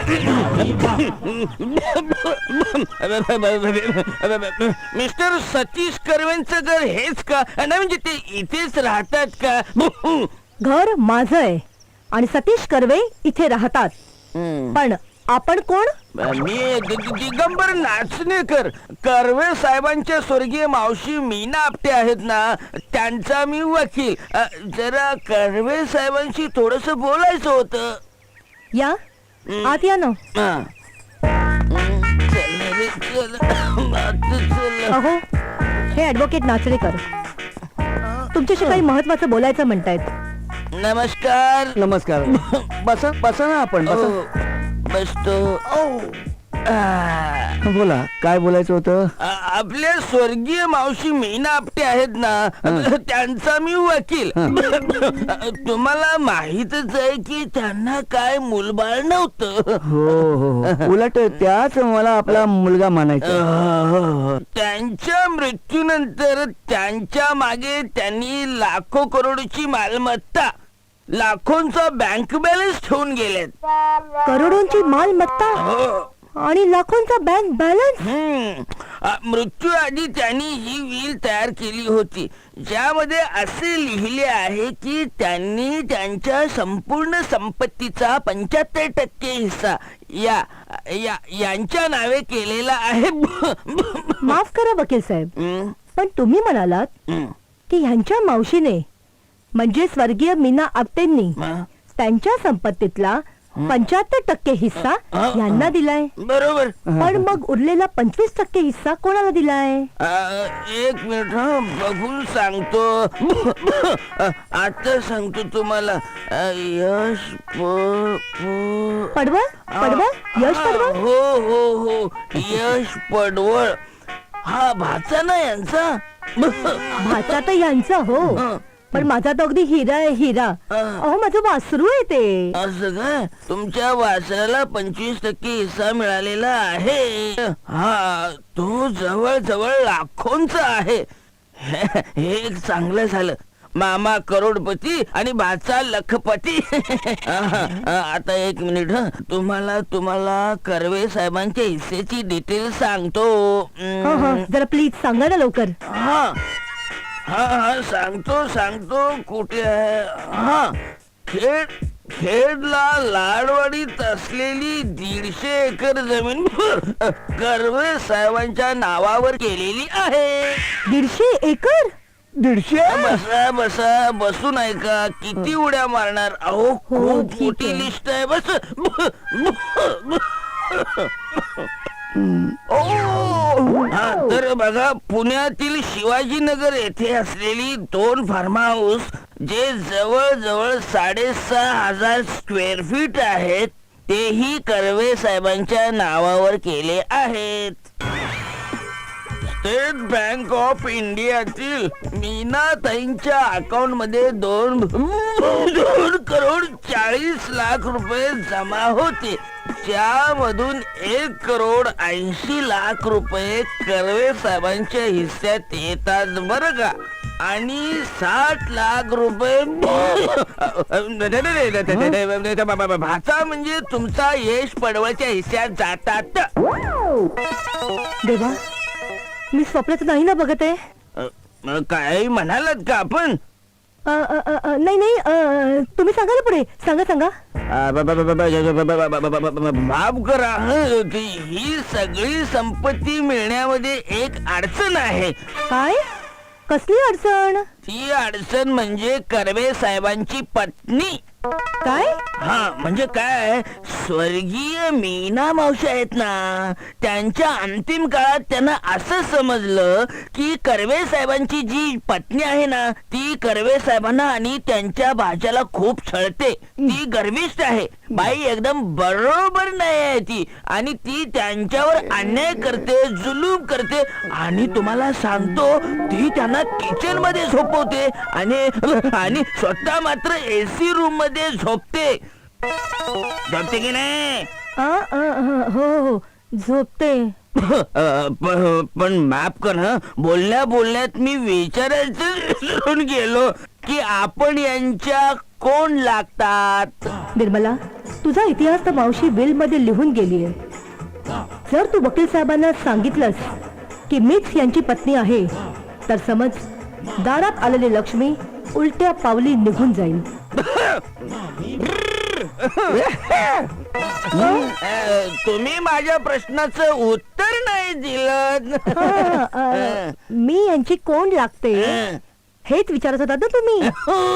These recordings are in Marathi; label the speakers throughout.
Speaker 1: मिस्टर सतीश कर्वेंचं घर हेच का? नाही म्हणजे ते इथेच राहतात का?
Speaker 2: घर माझं आहे आणि सतीश कर्वे इथे राहतात. पण आपण कोण?
Speaker 1: मी दिगंबर नाचणेकर, कर्वे साहेबांच्या स्वर्गीय मावशी मीना आपटे आहेत ना, त्यांचा मी वकील. जरा कर्वे साहेबांशी थोडस बोलायचं होतं.
Speaker 2: या आत या ना.
Speaker 1: चल रे, चल. आता चल.
Speaker 2: अहो, हे ऍडव्होकेट नाचणेकर तुमच्याशी काही महत्वाचं बोलायचं म्हणतायत.
Speaker 1: नमस्कार.
Speaker 3: नमस्कार. बसा बसा ना आपण बसा.
Speaker 1: बसतो.
Speaker 3: बोला काय बोलायचं होतं.
Speaker 1: आपल्या स्वर्गीय मावशी मीना आपटे आहेत ना, त्यांचा मी वकील. तुम्हाला माहीतच आहे की त्यांना काय मुलबाळ नव्हतं.
Speaker 3: हो हो उलट त्याच मला आपला मुलगा मानायचा.
Speaker 1: त्यांच्या मृत्यूनंतर त्यांच्या मागे त्यांनी लाखो करोडची मालमत्ता, लाखोंचा बँक बॅलन्स ठेवून गेलेत.
Speaker 2: करोडोंची मालमत्ता आणि लाखोंचा बँक बॅलन्स.
Speaker 1: मृत्यू आधी त्यांनी ही विल तयार केली होती, ज्यामध्ये असे लिहिले आहे की त्यांनी त्यांच्या संपूर्ण संपत्तीचा 75% हिस्सा यांच्या नावे केलेला आहे.
Speaker 2: माफ करा वकील साहेब, पण तुम्ही म्हणालात की ह्यांच्या मावशीने म्हणजे स्वर्गीय मीना आपटेंनी त्यांच्या संपत्तीतला 75% हिस्सा यांना दिलाय.
Speaker 1: बरोबर.
Speaker 2: पण मग उरलेला 25% हिस्सा कोणाला दिलाय?
Speaker 1: एक मिनिट बघून सांगतो. आता सांगतो तुम्हाला. यश
Speaker 2: पडवळ पडवळ यश पडवळ.
Speaker 1: हो हो हो, यश पडवळ. हा भाचा ना यांचा.
Speaker 2: भाचा तर यांचा हो, पण माझा तो अगदी हिरा आहे हिरा. अहो माझं वासरू आहे ते.
Speaker 1: असं काय? तुमच्या वासराला 25% हिस्सा मिळालेला आहे. हा, तो जवळ जवळ लाखोंचा आहे. हे एक चांगलं झालं. मामा करोडपती आणि भाचा लखपती. आता एक मिनिट. तुम्हाला कर्वे साहेबांच्या हिस्सेची डिटेल सांगतो.
Speaker 2: जरा प्लीज सांगा ना लवकर.
Speaker 1: हा हा सांगतो. कुठे आहे? हा, खेडला लाडवाडीत असलेली 150 एकर जमीन कर्वे साहेबांच्या नावावर केलेली आहे.
Speaker 2: 150 एकर?
Speaker 3: 150?
Speaker 1: बसा बसून नाही का? किती उड्या मारणार? अहो खूप
Speaker 2: ठीक
Speaker 1: मोठी
Speaker 2: आहे.
Speaker 1: लिस्ट आहे. बस. तर बघा, पुण्यातील शिवाजीनगर येथे असलेली 2 फार्म हाऊस, जे जवळ जवळ 6,500 स्क्वेअर फीट आहेत, तेही कर्वे साहेबांच्या नावावर केले आहेत. स्टेट बँक ऑफ इंडियातील मीनाताईंच्या अकाउंट मध्ये 2 करोड 40 लाख रुपये जमा होते, ज्यामधून 1 करोड 80 लाख रुपये कर्वे साहेबांच्या हिस्स्यात येतात बरं का. आणि 60 लाख रुपये भाचा म्हणजे तुमचा यश पडवळच्या हिस्स्यात जातात.
Speaker 2: देवा, मी स्वप्नात नाही ना बघत आहे.
Speaker 1: काय म्हणालात का आपण?
Speaker 2: नाही नाही, तुम्ही सांगा ना पुढे. सांगा.
Speaker 1: माफ करा, ही सगळी संपत्ती मिळण्यामध्ये एक अडचण आहे.
Speaker 2: काय? कसली अडचण?
Speaker 1: ती अडचण म्हणजे कर्वे साहेबांची पत्नी.
Speaker 2: काय?
Speaker 1: हा, म्हणजे काय, स्वर्गीय मीना मावशी आहेत ना, त्यांच्या अंतिम काळात त्यांना असं समजलं की कर्वे साहेबांची जी पत्नी आहे ना, ती कर्वे साहेबांना आणि त्यांच्या भाच्याला खूप छळते. ती गर्विष्ठ आहे. बाई एकदम बरोबर नाही आहे ती, आणि ती त्यांच्यावर अन्याय करते, जुलूम करते. आणि तुम्हाला सांगतो, ती त्यांना किचन मध्ये झोपवते आणि स्वतः मात्र एसी रूम मध्ये झोपते. झोपते की नाही?
Speaker 2: हो झोपते.
Speaker 1: पण माफ कर हं, बोलण्यात मी विचारायचं विसरून गेलो की आपण यांच्या कोण लागतात.
Speaker 2: निर्मला, तुझा इतिहास तर मावशी बिल मध्ये लिहून गेलीये. जर तू वकील साहेबांना सांगितलंस की मीच यांची पत्नी आहे, तर समज दारात आलेली लक्ष्मी उलट्या पावली निघून जाईल.
Speaker 1: तुम्ही माझ्या प्रश्नाचं उत्तर नाही दिलं.
Speaker 2: मी यांची कोण लागते हेच विचारत होता ना तुम्ही.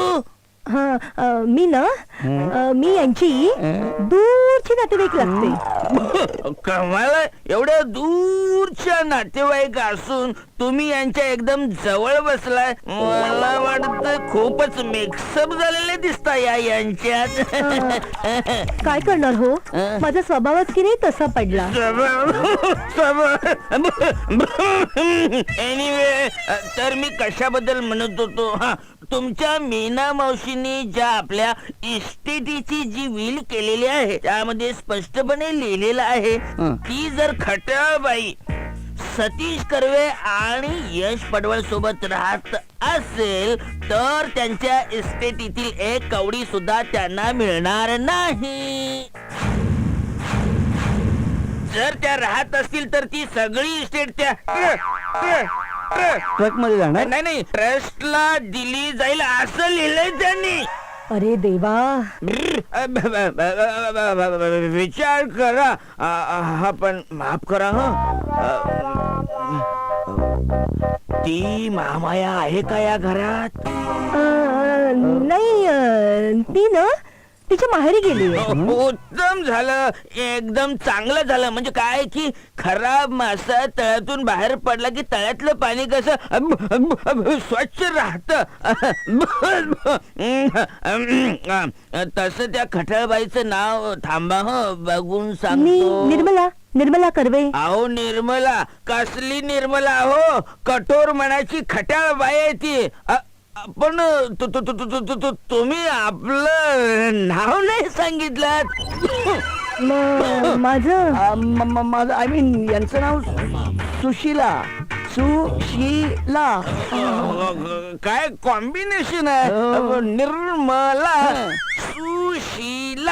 Speaker 2: मी ना मी यांची दूरची नातेवाईक लागते.
Speaker 1: कमाला, एवढ्या दूरच्या नातेवाईक असून तुम्ही यांच्या एकदम जवळ बसलाय. मला वाटतं खूपच मिक्सअप झालेले दिसता यांच्यात.
Speaker 2: काय करणार हो, माझा स्वभावच की नाही तसा पडला.
Speaker 1: एनिवे, तर मी कशाबद्दल म्हणत होतो. हा, तुमच्या मीना मावशीने ज्या आपल्या इस्टेटीची जी विल केलेली आहे त्यामध्ये स्पष्टपणे लिहिलेलं आहे की जर खट्याळबाई सतीश कर्वे आणि यश पडवळ सोबत राहत असेल तर त्यांच्या इस्टेटीतील एक कवडी सुद्धा त्यांना मिळणार नाही. जर त्या राहत असतील तर ती सगळी इस्टेट त्या
Speaker 3: ट्रक मध्ये जाणार.
Speaker 1: नाही, ट्रस्टला दिली जाईल असं लिहिलंय त्यांनी.
Speaker 2: अरे देवा,
Speaker 1: विचार करा. हा, पण माफ करा ती महामाया आहे का या घरात?
Speaker 2: नाही, ती ना तिच्या माहेरी गेली.
Speaker 1: उत्तम झालं, एकदम चांगलं झालं. म्हणजे काय की खराब मासा तळ्यातून बाहेर पडला की तळ्यातलं पाणी कसं स्वच्छ राहत, तसं त्या खटाळबाईचं नाव थांबा बघून सांगतो.
Speaker 2: निर्मला कर्वे.
Speaker 1: अहो निर्मला कसली निर्मला हो, कठोर मनाची खटाळबाई आहे ती. पण तुम्ही आपलं नाव नाही सांगितलं.
Speaker 2: माझं
Speaker 3: आय मीन यांचं नाव सुशीला.
Speaker 1: काय कॉम्बिनेशन आहे. निर्मला सुशीला.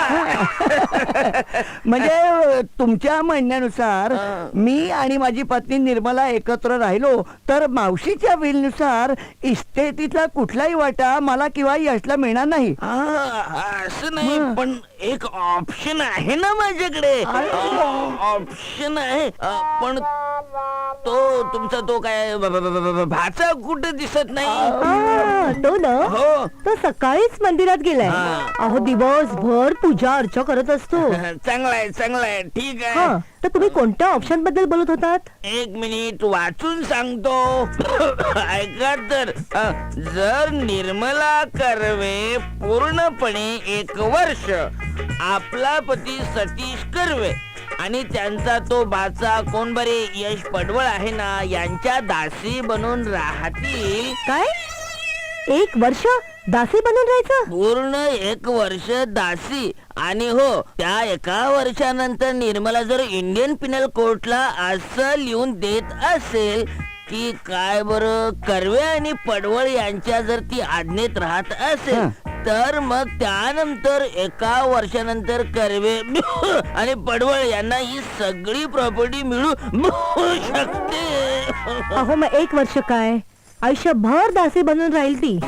Speaker 3: म्हणजे तुमच्या म्हणण्यानुसार मी आणि माझी पत्नी निर्मला एकत्र राहिलो तर मावशीच्या विलनुसार इस्टेटीतला कुठलाही वाटा मला किंवा यशला मिळणार नाही.
Speaker 1: असं नाही, पण एक ऑप्शन आहे ना माझ्याकडे. ऑप्शन आहे, पण तो तुमचा तो काय भाचा कुठे दिसत नाही.
Speaker 2: तो ना
Speaker 1: हो,
Speaker 2: तो सकाळीच मंदिरात गेलाय. अहो दिवसभर पूजा अर्चा करत असतो.
Speaker 1: चांगलाय, ठीक आहे.
Speaker 2: तर तुम्ही कोणत्या ऑप्शन बद्दल बोलत होतात?
Speaker 1: एक मिनिट वाचून सांगतो. ऐका तर, जर निर्मला कर्वे पूर्णपणे 1 वर्ष आपला पती सतीश कर्वे आणि त्यांचा तो भाचा कोण बरे यश पडवळ आहे ना यांच्या दासी बनून राहतील.
Speaker 2: काय 1 वर्ष दासी बनून राहायचं?
Speaker 1: पूर्ण 1 वर्ष दासी. आणि हो, त्या 1 वर्षानंतर निर्मला जर इंडियन पिनल कोर्टला असं लिहून देत असेल की काय बरं कर्वे आणि पडवळ यांच्या जर ती आज्ञेत राहत असेल तर मग त्यानंतर 1 वर्षानंतर कर्वे आणि पडवळ यांना ही सगळी प्रॉपर्टी मिळू शकते.
Speaker 2: अहो मग 1 वर्ष काय, आयुष्यभर दासी बनून राहील ती.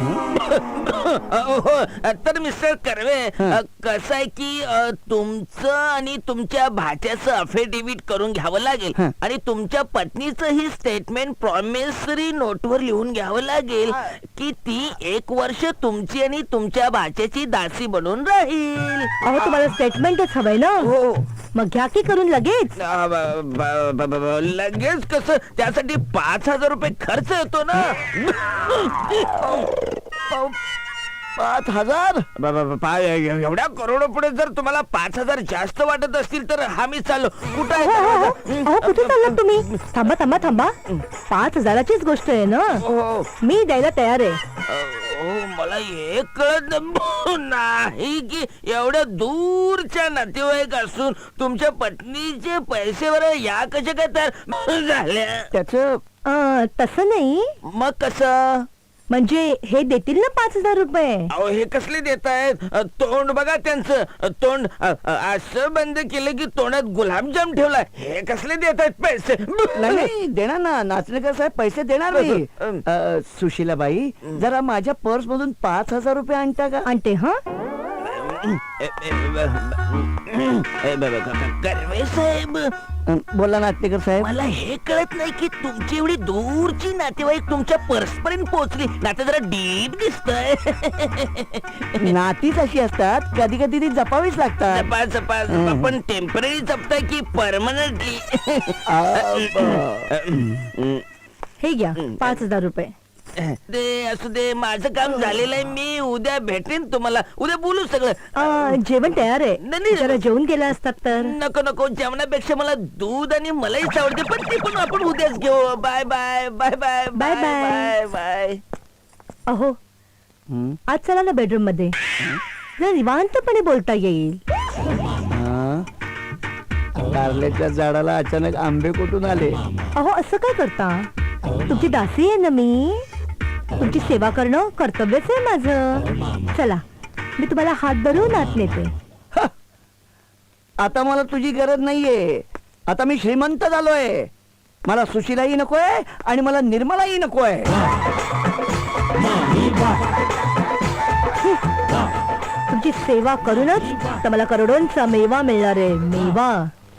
Speaker 1: तर मिस्टर कर्वे, कसं आहे की तुमचं आणि तुमच्या भाच्याचं अफिडेव्हिट करून घ्यावं लागेल आणि तुमच्या पत्नीचं ही स्टेटमेंट प्रॉमिसरी नोटवर लिहून घ्यावं लागेल की ती 1 वर्ष तुमची आणि तुमच्या भाच्याची दासी बनून राहील.
Speaker 2: अहो तुम्हाला स्टेटमेंटच हवंय ना?
Speaker 1: हो.
Speaker 2: मग घ्या की करून लगेच.
Speaker 1: लगेच कसं, त्यासाठी 5,000 रुपये खर्च येतो ना.
Speaker 3: 5,000?
Speaker 1: एवढ्या करोडो पुढे जर तुम्हाला 5,000 जास्त वाटत असतील तर हा मी चाललो. कुठं आहे
Speaker 2: अहो
Speaker 1: दरवाजा?
Speaker 2: कुठे चाललात तुम्ही? थांबा 5,000चीच गोष्ट आहे ना,
Speaker 1: हो.
Speaker 2: मी द्यायला तयार आहे.
Speaker 1: मला हे कळत नाही की एवढ्या दूर दूरच्या नातेवाईक असून तुमच्या पत्नीचे पैसे बरं या कशा काय तर झाल्या?
Speaker 3: त्याच
Speaker 2: तसं नाही,
Speaker 1: मग कसं?
Speaker 2: म्हणजे हे देतील ना 5,000 रुपये.
Speaker 1: अहो हे कसले देत आहेत? तोंड बघा त्यांचं, तोंड असं बंद केलं की तोंडात गुलाबजाम ठेवला. हे कसले देत आहेत पैसे?
Speaker 3: नाही देणार ना, नाचणेकर साहेब पैसे देणार नाही. सुशीलाबाई, जरा माझ्या पर्स मधून 5,000 रुपये आणता का?
Speaker 2: आणते हा.
Speaker 1: कर्वे साहेब,
Speaker 3: बोला नाचणेकर साहेब.
Speaker 1: मला हे कळत नाही की तुमची एवढी दूरची नातेवाईक तुमच्या पर्स पर्यंत पोहोचली. नाते जरा डीप दिसतंय.
Speaker 3: नातीच अशी असतात, कधी कधी ती जपावीच लागतात.
Speaker 1: जपा जपा पण टेम्पररी जपताय की परमनंटली?
Speaker 2: हे घ्या 5,000 रुपये.
Speaker 1: ते असू दे, माझं काम झालेलं आहे. मी उद्या भेटेन तुम्हाला, उद्या बोलू सगळं.
Speaker 2: जेवण तयार आहे,
Speaker 1: नाही.
Speaker 2: जरा जेवून गेला असतात तर.
Speaker 1: नको नको, जेवणापेक्षा मला दूध आणि मलाईच आवडते, पण ते पण आपण उद्याच घेऊ. Bye bye bye bye
Speaker 2: bye bye.
Speaker 1: Bye.
Speaker 2: अहो आज चला ना बेडरूम मध्ये, जरा निवांतपणे बोलता येईल.
Speaker 3: कारल्याच्या झाडाला अचानक आंबे कुठून आले?
Speaker 2: अहो असं काय करता, तुमची दासी आहे ना मी, तुमची सेवा करणं कर्तव्यच आहे माझं. चला मी तुम्हाला हात धरून आत नेते.
Speaker 3: आता मला तुझी गरज नाहीये, आता मी श्रीमंत झालोय. मला सुशीलाही नकोय आणि मला निर्मलाही नकोय.
Speaker 2: तुमची सेवा करूनच तर मला करोडोंचा मेवा मिळणार आहे. मेवा.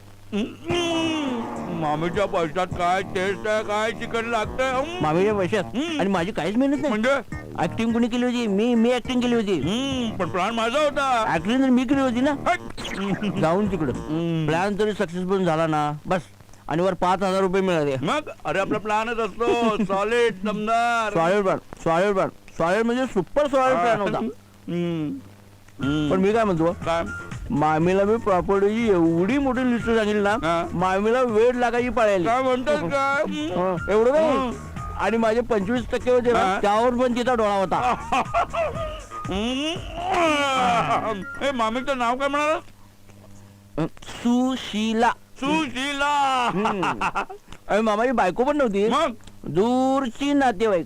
Speaker 4: मामीच्या पैशात काय टेस्ट आहे, काय चिकन लागतंय.
Speaker 1: मामीच्या पैशात आणि माझी काहीच मेहनत नाही.
Speaker 4: म्हणजे
Speaker 1: ऍक्टिंग कोणी केली होती? मी ऍक्टिंग केली होती.
Speaker 4: पण प्लॅन माझा होता.
Speaker 1: ऍक्टिंग तर मी केली होती ना.
Speaker 4: हट.
Speaker 1: जाऊन तिकडं प्लॅन तरी सक्सेसफुल झाला ना, बस. आणि वर 5,000 रुपये मिळाले.
Speaker 4: मग अरे आपला प्लॅनच असतो सॉलिड दमदार.
Speaker 1: सॉलिड म्हणजे सुपर सॉलिड प्लॅन होता. पण मी काय म्हणतो,
Speaker 4: काय
Speaker 1: मामीला मी प्रॉपर्टीची एवढी मोठी लिस्ट सांगितली ना,
Speaker 4: हा.
Speaker 1: मामीला वेळ लागायची पाळायला.
Speaker 4: काय म्हणतात काय?
Speaker 1: एवढं नाही. आणि माझे 25% होते ना,
Speaker 4: हा.
Speaker 1: त्यावर पण तिचा डोळा होता.
Speaker 4: हे मामीचं नाव काय म्हणाल?
Speaker 1: सुशीला.
Speaker 4: सुशीला.
Speaker 1: आणि मामाची बायको पण नव्हती,
Speaker 4: मग
Speaker 1: दूरची नातेवाईक.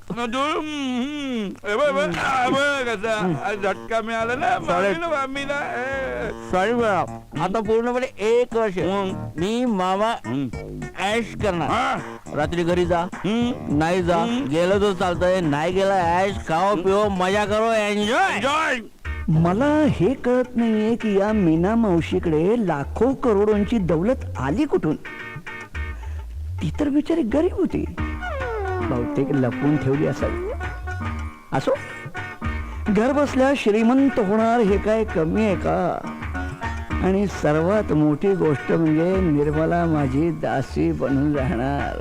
Speaker 4: कसा झटका मिळाला ना मामीला.
Speaker 1: सॉरी मॅडम, आता पूर्णपणे 1 वर्ष मी मामा ऍश करणार. रात्री घरी जा, नाही जा, गेलं तर चालतंय, नाही गेला ऍश, खाओ पिओ, मजा करो, एन्जॉय.
Speaker 4: एन्जॉय.
Speaker 3: मला हे कळत नाहीये की या मीना मावशीकडे लाखो करोडोंची दौलत आली कुठून. ती तर बिचारी गरीब होती, बहुतेक लपवून ठेवली असावी. असो, घर बसल्या श्रीमंत होणार हे काय कमी आहे का? आणि सर्वात मोठी गोष्ट म्हणजे निर्मला माझी दासी बनून राहणार.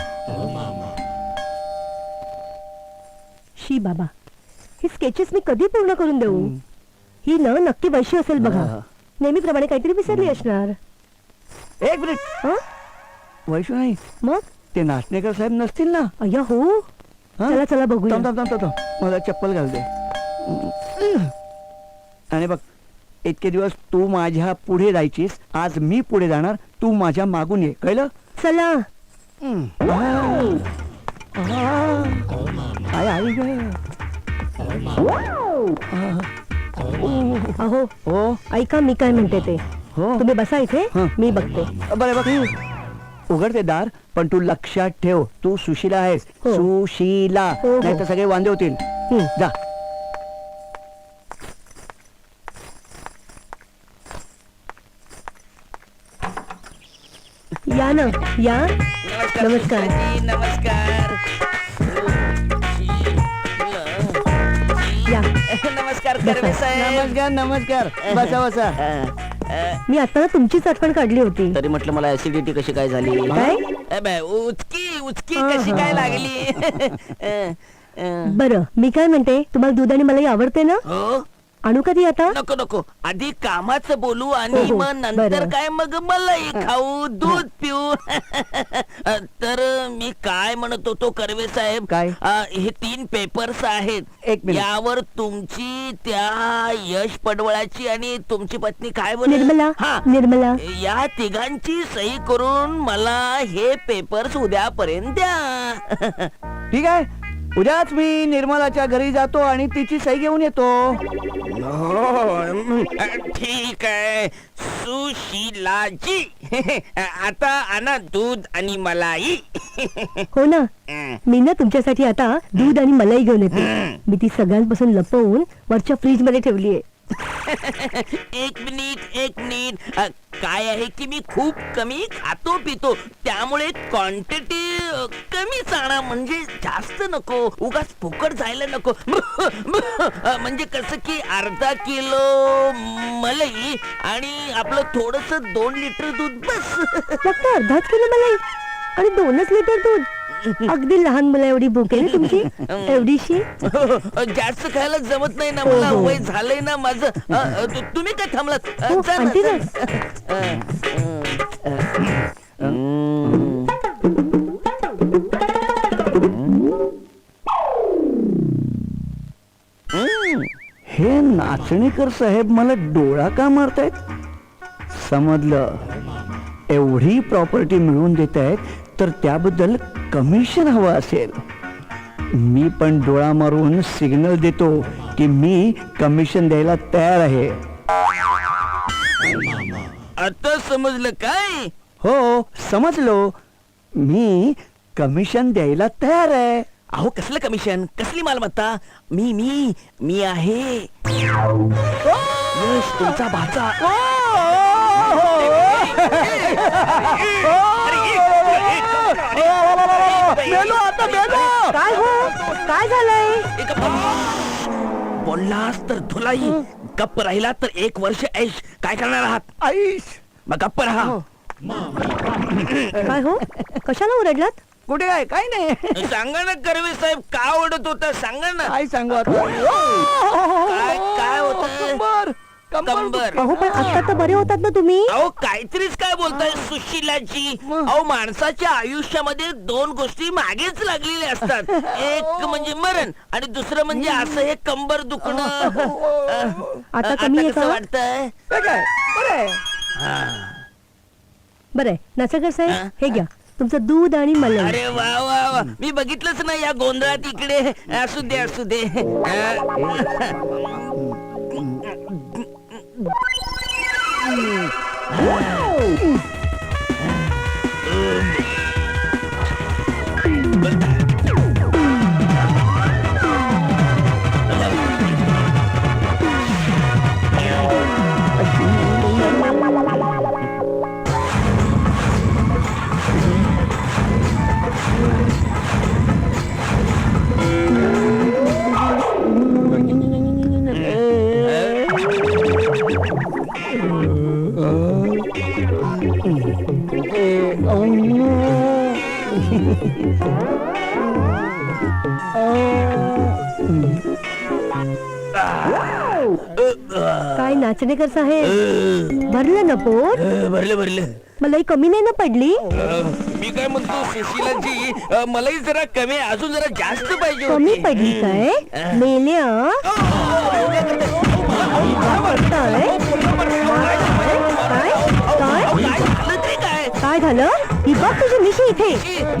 Speaker 2: शी बाबा, ही स्केचेस मी कधी पूर्ण करून देऊ? ही न नक्की वैशी असेल बघा. नेहमीप्रमाणे काहीतरी विसरली असणार.
Speaker 3: एक मिनिट,
Speaker 2: हं?
Speaker 3: वैशू नाही,
Speaker 2: मग
Speaker 3: ते नाचणेकर साहेब नसतील ना?
Speaker 2: अय्या हो,
Speaker 3: हं?
Speaker 2: चला चला बघूया.
Speaker 3: थांब थांब थांब थांब, मला चप्पल घाल दे. आणि बघ, इतके दिवस तू माझ्या पुढे जायचीस, आज मी पुढे जाणार, तू माझ्या मागून ये, कळलं?
Speaker 2: चला.
Speaker 3: आय आई ग.
Speaker 2: अहो
Speaker 3: हो
Speaker 2: ऐका, मी काय म्हणते ते.
Speaker 3: हो,
Speaker 2: तुम्ही बसा इथे,
Speaker 3: हं.
Speaker 2: मी बघते.
Speaker 3: बरे बघ, उघड ते दार, पण तू लक्षात ठेव, तू सुशीला आहेस.
Speaker 2: हो.
Speaker 3: सुशीला,
Speaker 2: हो, हो.
Speaker 3: नाही तर सगळे वांदे होतील.
Speaker 2: हं.
Speaker 3: जा.
Speaker 2: या ना, या. नमस्कार.
Speaker 1: नमस्कार.
Speaker 2: या.
Speaker 1: नमस्कार कर्वे साहेब.
Speaker 3: नमस्कार नमस्कार, बसा बसा.
Speaker 2: मी आता ना तुमचीच आठवण काढली होती.
Speaker 1: तरी म्हटलं मला ऍसिडिटी कशी काय झाली?
Speaker 2: काय?
Speaker 1: उचकी कशी काय लागली?
Speaker 2: बरं, मी काय म्हणते, तुम्हाला दूध आणि मलाई आवडते ना?
Speaker 1: हो,
Speaker 2: आणू कधी आता?
Speaker 1: नको नको, आधी कामाचं बोलू आणि
Speaker 2: हो, हो,
Speaker 1: मग नंतर
Speaker 2: बरं.
Speaker 1: काय, मग मलाई खाऊ, दूध पिऊ. तर मी काय म्हणत होतो कर्वे साहेब,
Speaker 3: काय?
Speaker 1: हे 3 पेपर्स आहेत.
Speaker 3: एक मिनिट.
Speaker 1: यावर तुमची, त्या यश पडवळाची आणि तुमची पत्नी काय बोल,
Speaker 2: निर्मला
Speaker 1: हा,
Speaker 2: निर्मला
Speaker 1: या तिघांची सही करून मला हे पेपर्स उद्यापर्यंत द्या.
Speaker 3: ठीक आहे, उद्याच मी निर्मलाच्या घरी जातो आणि तिची सही घेऊन येतो.
Speaker 1: ठीक आहे सुशीलाजी. आता आणा दूध आणि मलाई.
Speaker 2: हो ना, मी ना तुमच्यासाठी आता दूध आणि मलाई घेऊन येते. मी ती सगळ्यांपासून लपवून वरच्या फ्रीज मध्ये ठेवली आहे.
Speaker 1: एक मिनिट, काय आहे की मी खूप कमी खातो पितो, त्यामुळे क्वांटिटी कमीच आणा, म्हणजे जास्त नको, उगाच फुकट जायला नको. म्हणजे कसं की अर्धा किलो मलाई आणि आपलं थोडस 2 लिटर दूध बस.
Speaker 2: फक्त अर्धाच किलो मलाई आणि 2च लिटर दूध. अगदी लहान मुला एवढी भूक आहे ना तुमची, एवढीशी.
Speaker 1: जास्त खायला जमत नाही ना
Speaker 2: हो,
Speaker 1: मला,
Speaker 2: हो.
Speaker 1: वय झालंय ना माझं. तुम्ही काय थांबलात?
Speaker 2: हो,
Speaker 1: जा ना,
Speaker 2: आणते
Speaker 1: जा
Speaker 2: ना.
Speaker 3: हे नाचणीकर साहेब मला डोळा का मारतायत? समजलं, एवढी प्रॉपर्टी मिळवून देत आहेत तर त्याबद्दल कमिशन हवं असेल. मी पण डोळा मारून सिग्नल देतो की मी कमिशन द्यायला तयार आहे.
Speaker 1: आता समजलं काय?
Speaker 3: हो, समजलो, मी कमिशन द्यायला तयार आहे.
Speaker 1: अहो कसलं कमिशन, कसली मालमत्ता? मी आहे यश तुमचा भाचा.
Speaker 2: काय हो, काय झालंय?
Speaker 1: बोललास तर धुलाई, गप्प राहिला तर 1 वर्ष ऐश. काय करणार आहात?
Speaker 3: आईश,
Speaker 1: मग गप्प राहा.
Speaker 2: काय हो, कशाला ओरडलात?
Speaker 3: कुठे काय? काय नाही.
Speaker 1: सांगा ना कर्वे साहेब, का ओढत होता सांगा ना.
Speaker 3: काय सांगू आता?
Speaker 1: काय होत? कंबर.
Speaker 2: अहो पण आता तर बरे होतात ना तुम्ही.
Speaker 1: अहो काहीतरीच काय बोलताय सुशीलाजी. अहो माणसाच्या आयुष्यामध्ये 2 गोष्टी मागेच लागलेल्या असतात. एक म्हणजे मरण आणि दुसरं म्हणजे असं हे कंबर दुखणं.
Speaker 2: आता कमी आहे
Speaker 1: कसं
Speaker 2: का?
Speaker 1: वाटतंय?
Speaker 3: काय काय? बरं आहे.
Speaker 2: बरं, नाचकर
Speaker 1: हा?
Speaker 2: साहेब हे घ्या तुमचं दूध आणि मलाई.
Speaker 1: अरे वा वा वा, मी बघितलंच ना या गोंधळात इकडे. असू दे असू दे.
Speaker 2: काय नाचणेकर साहेब, भरलं ना पोट?
Speaker 1: भरलं.
Speaker 2: मलाई कमी नाही ना पडली?
Speaker 1: मी काय म्हणतो सुशीलाजी, मलाही जरा कमी, अजून जरा जास्त पाहिजे
Speaker 2: कमी
Speaker 1: होती.
Speaker 2: पडली काय? मेल्या काय? काय? काय?
Speaker 1: काय झालं ते काय?
Speaker 2: काय झालं? ही बघ तुझी मिशी इथे.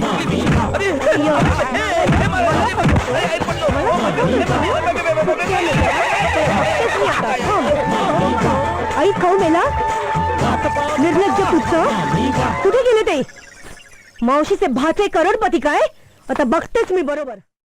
Speaker 2: आई खाऊ मेला, निर्लज्ज पुच्छ. कुठे गेले ते? मावशीचे भाचे करोडपती काय? आता बघतेच मी बरोबर.